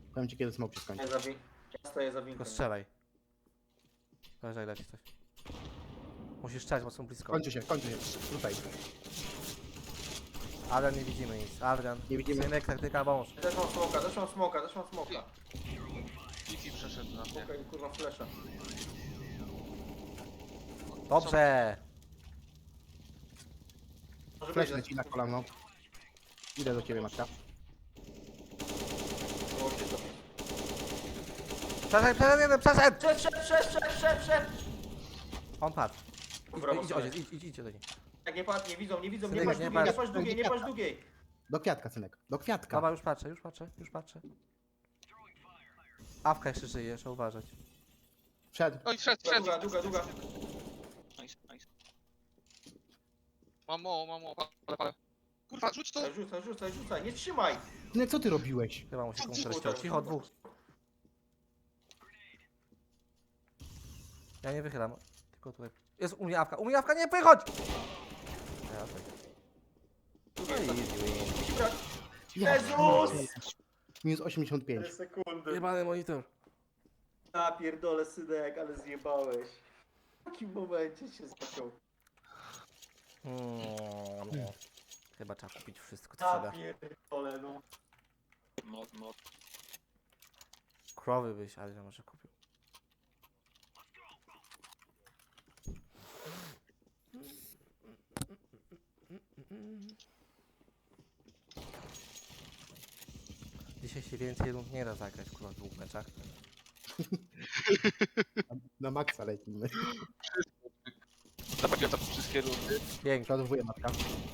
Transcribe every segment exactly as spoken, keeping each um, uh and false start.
Powiem ci kiedy smoke się skończy. Ja, za wi- ja stoję za winką. Tylko strzelaj. Leżaj, leci coś. Musisz strzelać, bo są blisko. Kończy się, kończy się. Tutaj. Adrian, nie widzimy nic. Adrian, Nie widzimy. synek, taktyka, wąż. Też mam smoka, też mam smoka, też mam smoka. Kiki przeszedł na mnie. Smoka i kurwa flesza. Dobrze! Może Flash być, leci na kolano. Idę do ciebie, matka. było się to. Przeszedł, przeszedł jeden, przeszedł! Przed, przed, przed, przed, przed, przed! On padł. Dobra, Idź, idź, mocno. idź, idź, idź, idź do niej. Tak, nie patrz, nie widzą, nie widzą, nie Synek, patrz nie długiej, nie patrz. patrz długiej, nie patrz długiej. Do kwiatka, synek. Do kwiatka. Dobra, już patrzę, już patrzę, już patrzę. Awka jeszcze żyje, trzeba uważać. Przed. Oj, wszedł, wszedł. Długa, długa, długa. Nice, nice. Mam mało, mam mało. Palę, palę. Kurwa, rzuć to! Rzucaj, rzucaj, rzucaj, nie trzymaj! Synek, co ty robiłeś? Chyba mu się Co komuś ty- rozciął. Cicho, dwóch. Ja nie wychylam. Tylko tutaj. Jest u mnie awka, u mnie awka, nie wychodź! Ja tak. Długie, No i easy easy win. win. Ja Jezus! Minus osiemdziesiąt pięć. cztery sekundy. Jebany monitor. Ja pierdolę, synek, ale zjebałeś. W takim momencie się zaczął. Mm, no. Chyba trzeba kupić wszystko, co Ja trzeba. pierdolę, no. Mod, mod. Krowy byś, ale może kupił. Dzisiaj się więcej rund nie da zagrać, kurwa, w dwóch meczach. Na maksa lecimy. Zapamiętam wszystkie rundy. Pięknie. Przeładowuję, matka.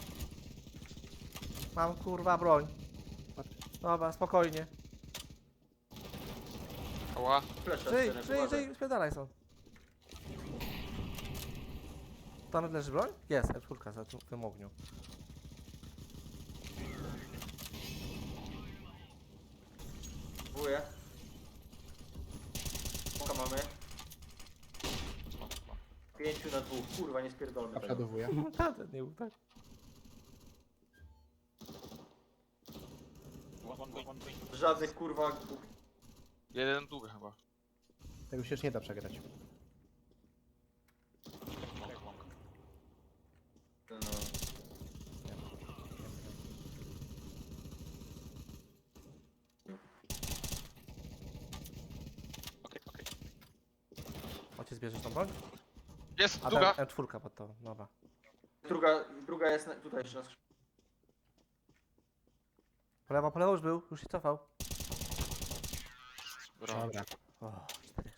Mam kurwa broń. Dobra, spokojnie. Ała. Flesza, Żyj, synek, żyj, uważaj. żyj, spierdalaj są. Tam leży broń? Jest, F cztery za tu- w tym ogniu. Próbuję. Smoka mamy. Pięciu na dwóch, kurwa, nie spierdolmy A tego. przeładowuję. Tak, nie był tak. Żadnych kurwa głupich. Jeden długa chyba. Tego się już nie da przegrać. No. Okej, okej. Ojciec bierzesz tą broń? Jest, A długa. ten M cztery pod to, dobra. Druga, druga jest na, tutaj jeszcze na skrzydle. Po lewo, po lewo już był, już się cofał. Dobra. Dobra. O, cztery,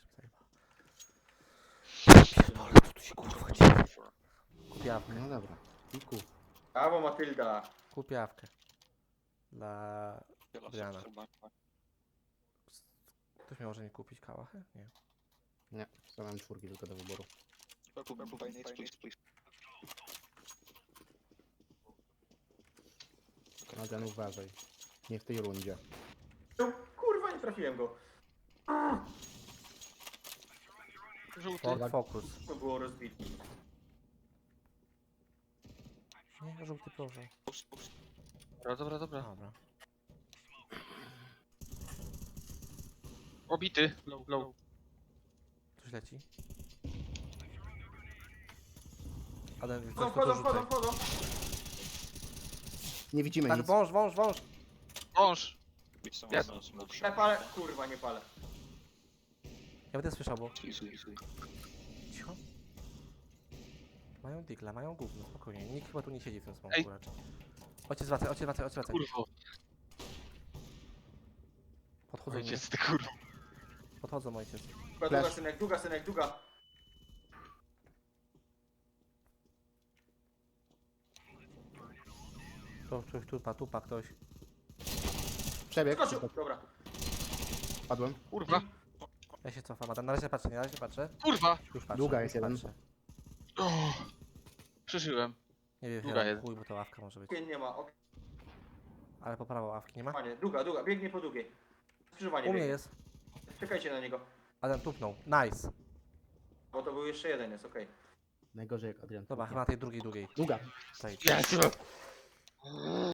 zajebał. Co tu się kurwa dzieje? Kup jawkę, No dobra. I ku. Brawo Matylda. kup jawkę. Dla... Adriana. Ktoś miał może nie kupić kałachę? Nie. Nie, mam czwórki tylko do wyboru. Adrian, uważaj. Nie w tej rundzie. No, kurwa, nie trafiłem go. Żółty. Ford Focus. To było rozbite. Nie, żółty proszę. Dobra, dobra, dobra. Dobra. Obity. Low, low. Coś leci. Adam, coś Wchodzą, tu wchodzą, wchodzą, dorzucaj. wchodzą. Nie widzimy Tak, nic. wąż, wąż, wąż. Wąż. Jest. Ja palę, kurwa, nie palę. Ja będę słyszał, bo... Cicho. Mają digla, mają gówno, spokojnie. Nikt chyba tu nie siedzi w tym Ej. smoku raczej. Ojciec wracaj, ojciec wracaj, ojciec wracaj. Kurwo. Podchodzą mnie. Ojciec, ty kurwa. Podchodzą ojciec. Długa, długa, synek, długa, synek, długa. To ktoś tupa, tupa ktoś. Przebieg. Skoczył, dobra. Padłem. Kurwa. Ja się cofam, Adam, na razie patrzę, nie, na razie patrzę. Kurwa. Już patrzę. Długa już jest jeden. patrzę. O, przeżyłem. Nie wiem, Długa ja jest. chuj, bo to ławka może być. Pień nie ma, okej. Ale po prawo ławki nie ma? Panie, długa, długa, biegnie po długiej. Skrzyżowanie U mnie biegnie. jest. Czekajcie na niego. Adam tupnął. Nice. Bo to był jeszcze jeden, jest okej. Najgorzej jak Adrian. Dobra, chyba na tej drugiej, długiej. Długa. Tutaj. Jest.